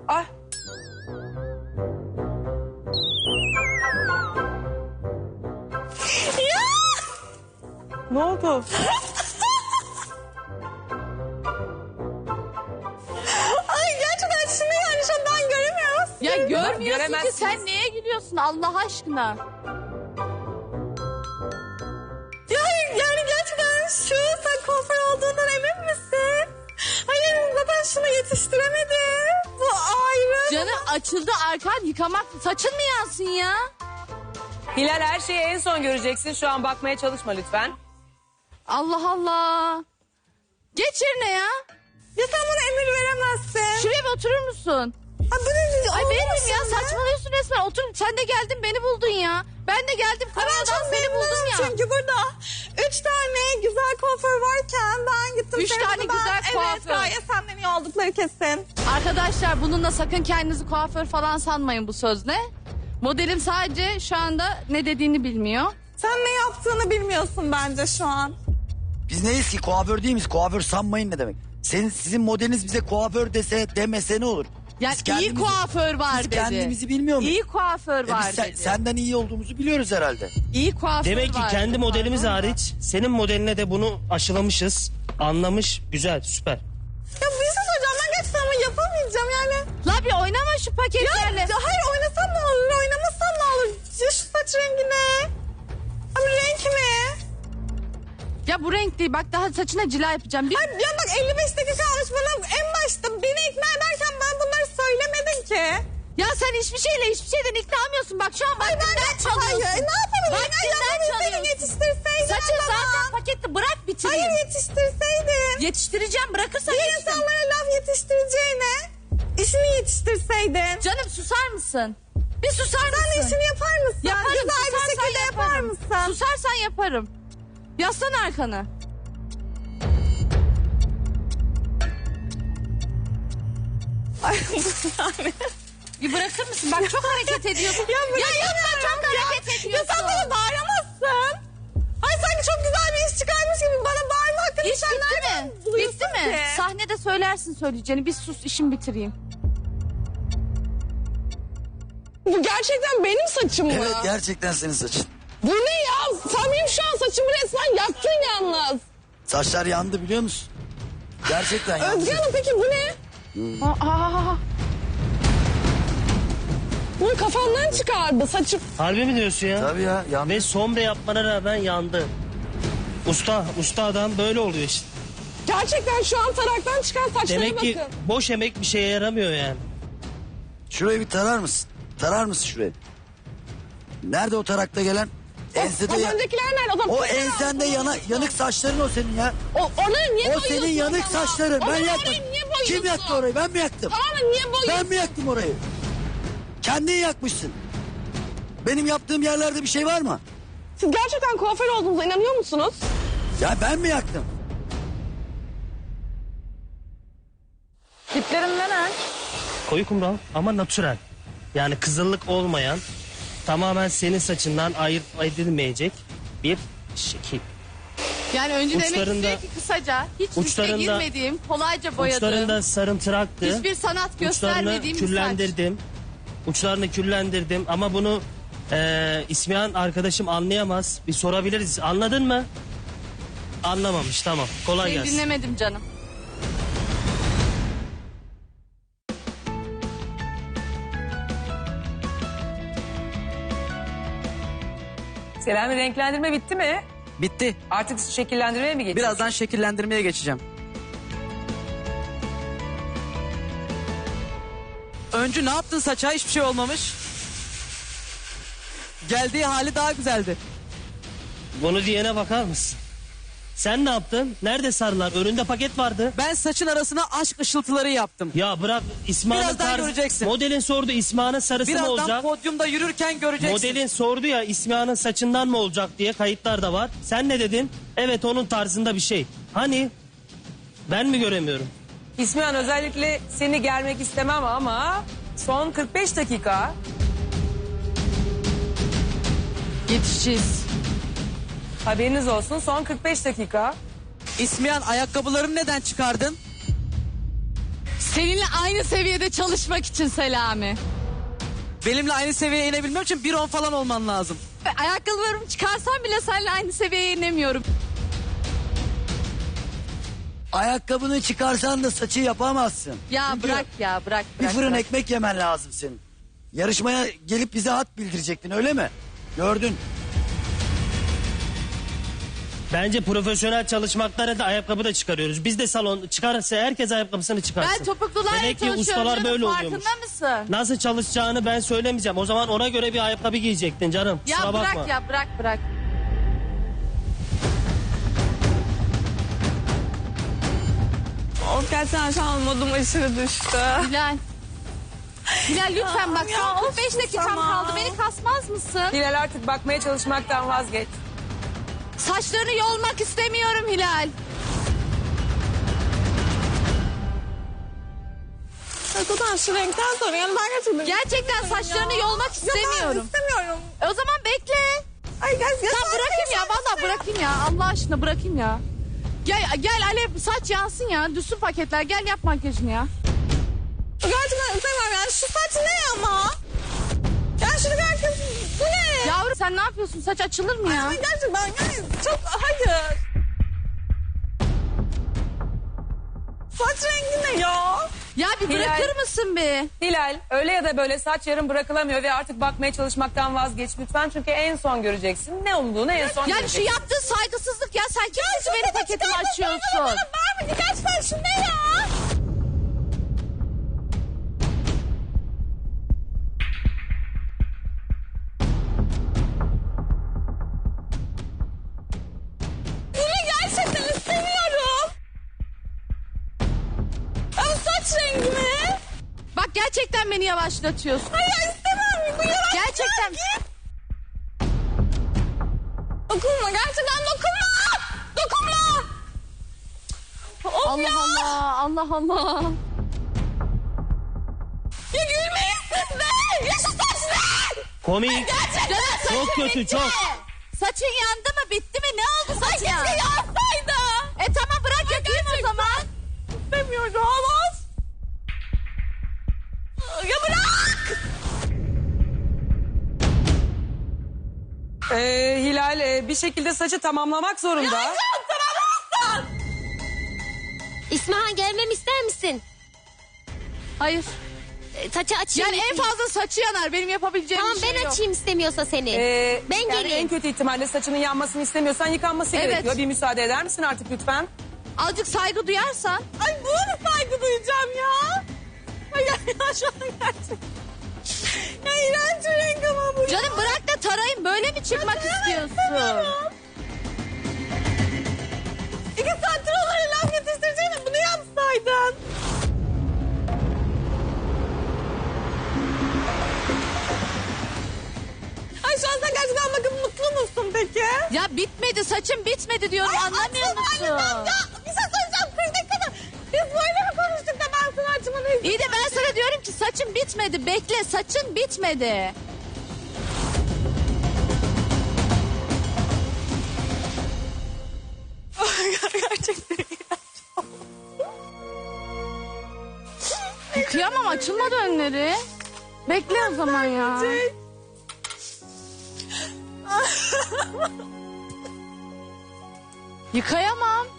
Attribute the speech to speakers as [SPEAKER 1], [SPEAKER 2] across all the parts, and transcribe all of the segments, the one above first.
[SPEAKER 1] Ah. Ne oldu?
[SPEAKER 2] Ay gerçekten şunu yani şu an ben göremiyorum.
[SPEAKER 3] Ya görmüyorsun ki,
[SPEAKER 1] göremezsiniz.
[SPEAKER 3] sen neye gülüyorsun Allah aşkına?
[SPEAKER 2] Ya hayır yani gerçekten şu sen kuaför olduğundan emin misin? Hayır zaten şunu yetiştiremedim. Bu ayrı.
[SPEAKER 3] Canım açıldı arkan yıkamak, saçın mı yansın ya?
[SPEAKER 1] Hilal, her şeyi en son göreceksin. Şu an bakmaya çalışma lütfen.
[SPEAKER 3] Allah Allah. Geç yerine ya.
[SPEAKER 2] Ya sen bana emir veremezsin.
[SPEAKER 3] Şuraya bir oturur musun?
[SPEAKER 2] Ay bu ne?
[SPEAKER 3] Ay
[SPEAKER 2] Oldu
[SPEAKER 3] benim
[SPEAKER 2] mu
[SPEAKER 3] ya,
[SPEAKER 2] şimdi?
[SPEAKER 3] saçmalıyorsun resmen. Otur, sen de geldin beni buldun ya. Ben de geldim
[SPEAKER 2] Ay ben
[SPEAKER 3] Konya'dan
[SPEAKER 2] çok
[SPEAKER 3] seni buldum
[SPEAKER 2] memnunum
[SPEAKER 3] ya.
[SPEAKER 2] çünkü burada 3 tane güzel kuaför varken ben gittim.
[SPEAKER 3] 3
[SPEAKER 2] seni
[SPEAKER 3] tane
[SPEAKER 2] buldum.
[SPEAKER 3] güzel
[SPEAKER 2] Evet
[SPEAKER 3] kuaför.
[SPEAKER 2] gayet senden iyi oldukları kesin.
[SPEAKER 3] Arkadaşlar bununla sakın kendinizi kuaför falan sanmayın bu sözle. Modelim sadece şu anda ne dediğini bilmiyor.
[SPEAKER 2] Sen ne yaptığını bilmiyorsun bence şu an.
[SPEAKER 4] Biz neyiz ki? Kuaför değil miyiz? Kuaför sanmayın ne demek? Sizin modeliniz bize kuaför demese ne olur?
[SPEAKER 3] Yani
[SPEAKER 4] Biz
[SPEAKER 3] iyi
[SPEAKER 4] kendimizi-
[SPEAKER 3] kuaför var
[SPEAKER 4] biz
[SPEAKER 3] dedi.
[SPEAKER 4] kendimizi bilmiyor muyuz?
[SPEAKER 3] İyi kuaför var
[SPEAKER 4] Biz
[SPEAKER 3] dedi.
[SPEAKER 4] senden iyi olduğumuzu biliyoruz herhalde.
[SPEAKER 3] İyi kuaför
[SPEAKER 5] Demek ki
[SPEAKER 3] var
[SPEAKER 5] kendi
[SPEAKER 3] dedi.
[SPEAKER 5] modelimiz
[SPEAKER 3] Pardon da.
[SPEAKER 5] hariç senin modeline de bunu aşılamışız. Anlamış. Güzel, süper.
[SPEAKER 2] Ya bir şey söyleyeceğim ben gerçekten ama yapamayacağım yani.
[SPEAKER 3] La bir oynama şu paketlerle.
[SPEAKER 2] Ya hayır oynasam ne olur oynamasam ne olur. Ya şu saç rengi ne? Abi renk mi?
[SPEAKER 3] Ya bu renk değil, bak daha saçına cila yapacağım.
[SPEAKER 2] Ay ya bak 55 dakika almış bana en başta beni ikna ederken ben bunları söylemedin ki.
[SPEAKER 3] Ya sen hiçbir şeyden ikna olmuyorsun. Bak şu an
[SPEAKER 2] Ay ben
[SPEAKER 3] vaktinden
[SPEAKER 2] de
[SPEAKER 3] çalıyorsun.
[SPEAKER 2] hayır ne yapalım?
[SPEAKER 3] Vaktinden
[SPEAKER 2] Seni
[SPEAKER 3] çalıyorsun.
[SPEAKER 2] yetiştirseydin.
[SPEAKER 3] Saçın
[SPEAKER 2] o zaman.
[SPEAKER 3] zaten paketli, bırak bitireyim.
[SPEAKER 2] Hayır yetiştirseydin.
[SPEAKER 3] Yetiştireceğim, bırakırsan
[SPEAKER 2] Bir
[SPEAKER 3] yetiştir.
[SPEAKER 2] insanlara laf yetiştireceğine işini yetiştirseydin.
[SPEAKER 3] Canım susar mısın? Bir susar mısın?
[SPEAKER 2] Sen de işini yapar mısın?
[SPEAKER 3] Yaparım,
[SPEAKER 2] Güzel bir
[SPEAKER 3] susarsan
[SPEAKER 2] şekilde yapar
[SPEAKER 3] yaparım.
[SPEAKER 2] mısın?
[SPEAKER 3] Susarsan yaparım. Yaslan arkanı.
[SPEAKER 2] Ay bu yani.
[SPEAKER 3] Bir bırakır mısın? Bak çok hareket ediyorsun.
[SPEAKER 2] Ya,
[SPEAKER 3] yapma, çok hareket ediyorsun.
[SPEAKER 2] Ya sen bana bağıramazsın. Ay sanki çok güzel bir iş çıkarmış gibi bana bağırma hakkını
[SPEAKER 3] İş
[SPEAKER 2] sen
[SPEAKER 3] bitti
[SPEAKER 2] nereden
[SPEAKER 3] mi?
[SPEAKER 2] buluyorsun
[SPEAKER 3] Bitti mi?
[SPEAKER 2] ki?
[SPEAKER 3] Sahnede söylersin söyleyeceğini. Bir sus, işimi bitireyim.
[SPEAKER 6] Bu gerçekten benim saçım mı?
[SPEAKER 4] Evet gerçekten senin saçın.
[SPEAKER 6] Bu ne ya? Sen benim şu an saçımı resmen yaktın yalnız.
[SPEAKER 4] Saçlar yandı biliyor musun? Gerçekten yandı.
[SPEAKER 6] Özge Hanım peki bu ne?
[SPEAKER 3] Aa,
[SPEAKER 6] Bu kafamdan çıkardı saçım.
[SPEAKER 5] Harbi mi diyorsun ya?
[SPEAKER 4] Tabii ya yandı.
[SPEAKER 5] Ve sombre yapmana rağmen yandı. Usta adam böyle oluyor işte.
[SPEAKER 6] Gerçekten şu an taraktan çıkan saçlara
[SPEAKER 5] Demek
[SPEAKER 6] bakın.
[SPEAKER 5] ki boş emek bir şeye yaramıyor yani.
[SPEAKER 4] Şurayı bir tarar mısın? Tarar mısın şurayı? Nerede o tarakta gelen? Ensede
[SPEAKER 6] Az
[SPEAKER 4] ya.
[SPEAKER 6] öncekiler nerede? O, zaman
[SPEAKER 4] O
[SPEAKER 6] tekrar
[SPEAKER 4] ensende
[SPEAKER 6] aldım.
[SPEAKER 4] yanık saçların o senin ya.
[SPEAKER 6] Onları niye
[SPEAKER 4] O
[SPEAKER 6] boyuyorsun
[SPEAKER 4] senin yanık
[SPEAKER 6] o zaman?
[SPEAKER 4] saçların.
[SPEAKER 6] O
[SPEAKER 4] Ben
[SPEAKER 6] zaman
[SPEAKER 4] yakmadım.
[SPEAKER 6] orayı niye boyuyorsun?
[SPEAKER 4] Kim yaktı orayı? Ben mi yaktım?
[SPEAKER 6] Tamam mı niye boyuyorsun?
[SPEAKER 4] Ben mi yaktım orayı? Kendin yakmışsın. Benim yaptığım yerlerde bir şey var mı?
[SPEAKER 6] Siz gerçekten kuaför olduğunuza inanıyor musunuz?
[SPEAKER 4] Ya ben mi yaktım?
[SPEAKER 2] Tiplerin neler?
[SPEAKER 5] Koyu kumral ama natürel. Yani kızıllık olmayan, tamamen senin saçından ayırt edilmeyecek bir şekil.
[SPEAKER 3] yani önce demek
[SPEAKER 5] Uçlarında-
[SPEAKER 3] istiyor ki kısaca, hiç riske
[SPEAKER 5] uçlarında-
[SPEAKER 3] girmediğim, kolayca boyadığım,
[SPEAKER 5] Uçlarında sarımtıraktı.
[SPEAKER 3] hiçbir sanat
[SPEAKER 5] Uçlarını
[SPEAKER 3] göstermediğim bir saç.
[SPEAKER 5] küllendirdim. Uçlarını küllendirdim ama bunu İsmihan arkadaşım anlayamaz. Bir sorabiliriz. Anladın mı? Anlamamış, tamam. Kolay
[SPEAKER 3] Seni
[SPEAKER 5] gelsin.
[SPEAKER 3] dinlemedim canım.
[SPEAKER 1] Selami, renklendirme bitti mi?
[SPEAKER 7] Bitti.
[SPEAKER 1] Artık şekillendirmeye mi geçiyorsun?
[SPEAKER 7] Birazdan şekillendirmeye geçeceğim. Öncü ne yaptın saça? Hiçbir şey olmamış. Geldiği hali daha güzeldi.
[SPEAKER 5] Bunu diyene bakar mısın? Sen ne yaptın? Nerede sarılar? Önünde paket vardı.
[SPEAKER 7] Ben saçın arasına aşk ışıltıları yaptım.
[SPEAKER 5] Ya bırak İsmail'in
[SPEAKER 7] Birazdan
[SPEAKER 5] tarzı.
[SPEAKER 7] göreceksin.
[SPEAKER 5] Modelin sordu İsmail'in sarısı mı
[SPEAKER 7] Birazdan
[SPEAKER 5] olacak?
[SPEAKER 7] podyumda yürürken göreceksin.
[SPEAKER 5] Modelin sordu ya İsmihan'ın saçından mı olacak diye, kayıtlar da var. Sen ne dedin? Evet onun tarzında bir şey. Hani ben mi göremiyorum?
[SPEAKER 1] İsmihan, özellikle seni germek istemem ama son 45 dakika.
[SPEAKER 3] Yetişeceğiz.
[SPEAKER 1] Haberiniz olsun, son 45 dakika.
[SPEAKER 7] İsmihan ayakkabılarımı neden çıkardın?
[SPEAKER 3] Seninle aynı seviyede çalışmak için Selami.
[SPEAKER 7] Benimle aynı seviyeye inebilmem için 1.10 falan olman lazım.
[SPEAKER 3] Ayakkabılarımı çıkarsam bile seninle aynı seviyeye inemiyorum.
[SPEAKER 4] Ayakkabını çıkarsan da saçı yapamazsın.
[SPEAKER 3] Ya
[SPEAKER 4] Çünkü
[SPEAKER 3] bırak ya bırak.
[SPEAKER 4] bir fırın
[SPEAKER 3] bırak.
[SPEAKER 4] ekmek yemen lazım senin. Yarışmaya gelip bize hat bildirecektin öyle mi? Gördün.
[SPEAKER 5] Bence profesyonel çalışmaklara da ayakkabı da çıkarıyoruz. Biz de salon çıkarsa herkes ayakkabısını çıkarsın.
[SPEAKER 3] Ben topuklularla
[SPEAKER 5] Demek ki
[SPEAKER 3] çalışıyorum
[SPEAKER 5] ustalar
[SPEAKER 3] canım,
[SPEAKER 5] böyle
[SPEAKER 3] farkında
[SPEAKER 5] oluyormuş.
[SPEAKER 3] mısın?
[SPEAKER 5] Nasıl çalışacağını ben söylemeyeceğim. O zaman ona göre bir ayakkabı giyecektin canım.
[SPEAKER 3] Ya
[SPEAKER 5] Kusura
[SPEAKER 3] bırak
[SPEAKER 5] bakma.
[SPEAKER 3] ya bırak.
[SPEAKER 2] Of gerçekten şu an modum aşırı düştü.
[SPEAKER 3] Hilal. Hilal lütfen bak
[SPEAKER 2] Ya,
[SPEAKER 3] son
[SPEAKER 2] of,
[SPEAKER 3] 45 dakikam
[SPEAKER 2] tamam.
[SPEAKER 3] kaldı. Beni kasmaz mısın?
[SPEAKER 1] Hilal artık bakmaya çalışmaktan vazgeç.
[SPEAKER 3] Saçlarını yolmak istemiyorum Hilal.
[SPEAKER 2] Zaten şu renkten sonra yani ben gerçekten...
[SPEAKER 3] Gerçekten saçlarını yolmak
[SPEAKER 2] Ya ben
[SPEAKER 3] istemiyorum.
[SPEAKER 2] istemiyorum.
[SPEAKER 3] O zaman bekle.
[SPEAKER 2] Ay gerçekten...
[SPEAKER 3] Tamam bırakayım ya vallahi bırakayım ya. Allah aşkına bırakayım ya. Gel Alev saç yansın ya. Düşsün paketler. Gel yap makyajını ya.
[SPEAKER 2] Gerçekten istemem yani şu saç ne ama? Yani şunu bir herkes... Bu ne?
[SPEAKER 3] Yavrum sen ne yapıyorsun? Saç açılır mı ya?
[SPEAKER 2] Ay gerçekten yani çok... Hayır. Saç rengi ne ya?
[SPEAKER 3] Ya bir
[SPEAKER 1] Hilal.
[SPEAKER 3] bırakır mısın bir?
[SPEAKER 1] Hilal öyle ya da böyle saç yarım bırakılamıyor ve artık bakmaya çalışmaktan vazgeç lütfen. Çünkü en son göreceksin. Ne olduğunu en son
[SPEAKER 3] Yani şu
[SPEAKER 1] göreceksin.
[SPEAKER 3] yaptığın saygısızlık ya. Sen kimsin benim paketimi açıyorsun?
[SPEAKER 2] Var mı? Gerçekten şu ne ya? Bunu gerçekten istemiyorum. Ama saç rengi mi?
[SPEAKER 3] Bak gerçekten beni yavaşlatıyorsun.
[SPEAKER 2] Hayır istemem. Bu yavaş.
[SPEAKER 3] Gerçekten.
[SPEAKER 2] Dokunma gerçekten dokunma. Dokunma. Of
[SPEAKER 3] Allah
[SPEAKER 2] ya.
[SPEAKER 3] Allah. Allah Allah.
[SPEAKER 2] Ya gülmeyin siz de. Ya şu saç ne?
[SPEAKER 5] Komik.
[SPEAKER 3] Canım, saçın
[SPEAKER 5] Çok kötü,
[SPEAKER 3] bitti.
[SPEAKER 5] çok.
[SPEAKER 3] Saçın yandı mı bitti mi ne oldu
[SPEAKER 2] Ay
[SPEAKER 3] saçın?
[SPEAKER 2] keşke yansaydı.
[SPEAKER 3] Tamam bırak yakayım o zaman.
[SPEAKER 2] İstemiyorum. Olmaz. Ya bırak.
[SPEAKER 1] Hilal bir şekilde saçı tamamlamak zorunda.
[SPEAKER 8] İsmahan gelmemi ister misin?
[SPEAKER 3] Hayır.
[SPEAKER 8] Saçı açayım.
[SPEAKER 3] Yani en fazla saçı yanar. Benim yapabileceğim
[SPEAKER 8] Tamam
[SPEAKER 3] bir şey
[SPEAKER 8] ben
[SPEAKER 3] yok.
[SPEAKER 8] açayım istemiyorsa seni. Ben
[SPEAKER 1] yani
[SPEAKER 8] geleyim.
[SPEAKER 1] en kötü ihtimalle saçının yanmasını istemiyorsan yıkanması
[SPEAKER 3] Evet.
[SPEAKER 1] gerekiyor. Bir müsaade eder misin artık lütfen?
[SPEAKER 3] Azıcık saygı duyarsan.
[SPEAKER 2] Ay buna mı saygı duyacağım ya? Ay ya şu an gerçekten. Ya iğrenç bir renk ama bu.
[SPEAKER 3] Canım bırak da tarayın. Böyle mi çıkmak istiyorsun?
[SPEAKER 2] 2 saattir onlara laf yetiştireceğine bunu yapsaydın. Ay şu an sen gerçekten bakın mutlu musun peki?
[SPEAKER 3] Ya bitmedi saçım bitmedi diyorum anlamıyor
[SPEAKER 2] açsana,
[SPEAKER 3] musun?
[SPEAKER 2] anlamam ya. Bir şey söyleyeceğim 40 dakikada. Biz böyle mi konuştuk da ben sana açmanı istedim?
[SPEAKER 3] İyi de ben sana diyorum ki saçın bitmedi. Bekle saçın bitmedi.
[SPEAKER 2] Gerçekten
[SPEAKER 3] Kıyamam açılmadı önleri. Bekle o zaman ya. Yıkayamam.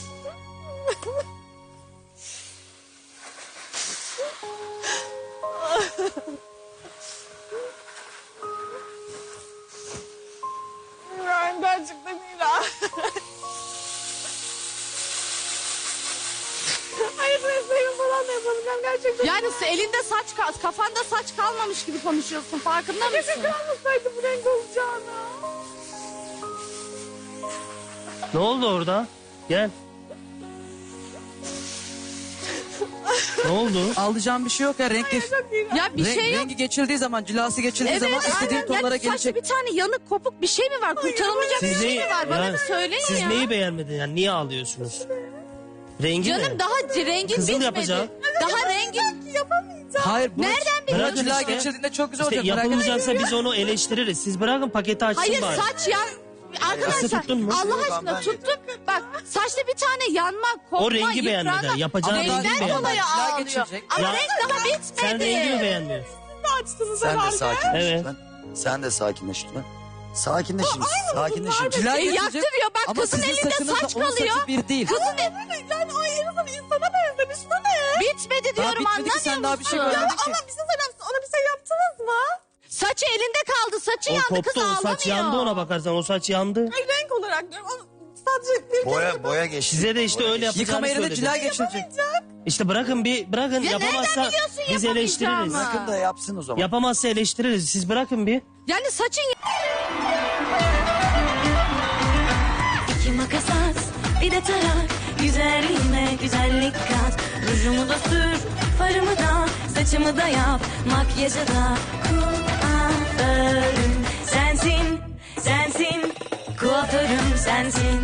[SPEAKER 2] Ben gerçekten iğrenç. Hayır mesleğimi falan da yapamayacağım gerçekten.
[SPEAKER 3] Yani elinde saç kafanda saç kalmamış gibi konuşuyorsun farkında mısın?
[SPEAKER 2] Keşke kalmasaydı bu renk olacağını.
[SPEAKER 5] Ne oldu orada? Gel. Ne oldu?
[SPEAKER 7] Alacağım bir şey yok ya. Renk,
[SPEAKER 3] Ya bir şey yok.
[SPEAKER 7] rengi geçildiği zaman, cilası geçildiği zaman istediğin
[SPEAKER 3] aynen.
[SPEAKER 7] tonlara
[SPEAKER 3] Ya saçta
[SPEAKER 7] gelecek.
[SPEAKER 3] bir tane yanık kopuk bir şey mi var? Kurtarılmayacak bir şey mi var? Bana
[SPEAKER 5] yani
[SPEAKER 3] bir söyleyin
[SPEAKER 5] siz
[SPEAKER 3] ya.
[SPEAKER 5] neyi beğenmedin yani niye ağlıyorsunuz? Rengi
[SPEAKER 3] Canım
[SPEAKER 5] mi?
[SPEAKER 3] daha rengin
[SPEAKER 5] Kızıl
[SPEAKER 3] bitmedi.
[SPEAKER 5] yapacağım.
[SPEAKER 3] Daha rengin...
[SPEAKER 7] Hayır. Bu
[SPEAKER 3] Nereden biliyorsun?
[SPEAKER 7] Bu cila
[SPEAKER 5] işte?
[SPEAKER 7] geçildiğinde çok güzel
[SPEAKER 5] İşte
[SPEAKER 7] olacak. Merak etme.
[SPEAKER 5] yapılmayacaksa biz onu eleştiririz. Siz bırakın paketi açsın
[SPEAKER 3] Hayır
[SPEAKER 5] bari.
[SPEAKER 3] saç yan... Arkadaşlar
[SPEAKER 5] tuttun mu?
[SPEAKER 3] Allah
[SPEAKER 4] Yok,
[SPEAKER 3] aşkına
[SPEAKER 4] ben-
[SPEAKER 3] tuttum. Bak saçta bir tane yanmak, kopma,
[SPEAKER 5] O rengi beğenmedi.
[SPEAKER 3] yıpranma.
[SPEAKER 5] Yapacağı
[SPEAKER 3] Ama
[SPEAKER 5] rengi
[SPEAKER 3] benden
[SPEAKER 5] beğenmedi.
[SPEAKER 3] dolayı
[SPEAKER 7] Cila
[SPEAKER 3] ağlıyor.
[SPEAKER 7] geçirecek.
[SPEAKER 3] Ama
[SPEAKER 5] Ya-
[SPEAKER 3] renk daha bitmedi.
[SPEAKER 5] Sen rengi mi beğenmiyorsun?
[SPEAKER 2] Açtınız
[SPEAKER 4] Sen de
[SPEAKER 2] herhalde.
[SPEAKER 4] sakinleş
[SPEAKER 5] Evet.
[SPEAKER 4] lütfen. Sen de sakinleş lütfen. Sakinleşin. Sakinleşin.
[SPEAKER 7] Cila geçirecek.
[SPEAKER 3] yaktırıyor. Bak
[SPEAKER 7] Ama
[SPEAKER 3] kızın
[SPEAKER 7] sizin
[SPEAKER 3] elinde
[SPEAKER 7] saçınızla
[SPEAKER 3] saç
[SPEAKER 7] onun
[SPEAKER 3] kalıyor.
[SPEAKER 7] saçı bir değil.
[SPEAKER 3] Kızın
[SPEAKER 2] Yani ay en azından insana benzemiş. Bu ne?
[SPEAKER 3] bitmedi
[SPEAKER 7] Daha
[SPEAKER 3] diyorum,
[SPEAKER 7] bitmedi
[SPEAKER 3] anlamıyor
[SPEAKER 7] ki, sen daha bir şey
[SPEAKER 3] musun?
[SPEAKER 7] görmedin ki.
[SPEAKER 2] Ama bir şey söyleyeyim. Ona bir şey yaptınız mı?
[SPEAKER 3] Saçı elinde kaldı. Saçı
[SPEAKER 5] O
[SPEAKER 3] yandı,
[SPEAKER 5] koptu,
[SPEAKER 3] kız
[SPEAKER 5] o
[SPEAKER 3] ağlamıyor.
[SPEAKER 5] saç yandı, ona bakarsan o saç yandı.
[SPEAKER 2] Ay renk olarak diyorum. Ama sadece bir
[SPEAKER 4] Boya geçti.
[SPEAKER 5] Size de işte
[SPEAKER 4] Boya
[SPEAKER 5] öyle
[SPEAKER 4] geçti.
[SPEAKER 5] yapacağını
[SPEAKER 7] Yıkama yerine
[SPEAKER 5] söyledim.
[SPEAKER 7] cila geçirecek.
[SPEAKER 5] İşte bırakın bırakın,
[SPEAKER 3] Ya
[SPEAKER 5] yapamazsa
[SPEAKER 3] nereden biliyorsun
[SPEAKER 5] biz
[SPEAKER 3] yapamayacağımı?
[SPEAKER 5] eleştiririz.
[SPEAKER 4] Bırakın da yapsın o zaman.
[SPEAKER 5] Yapamazsa eleştiririz. Siz bırakın bir.
[SPEAKER 3] Yani saçın
[SPEAKER 9] İki makas at, bir de tarak. Güzelliğime güzellik kat. Rujumu da sür, farımı da, saçımı da yap. Makyajı da kuaförüm sensin, sensin. Kuaförüm sensin.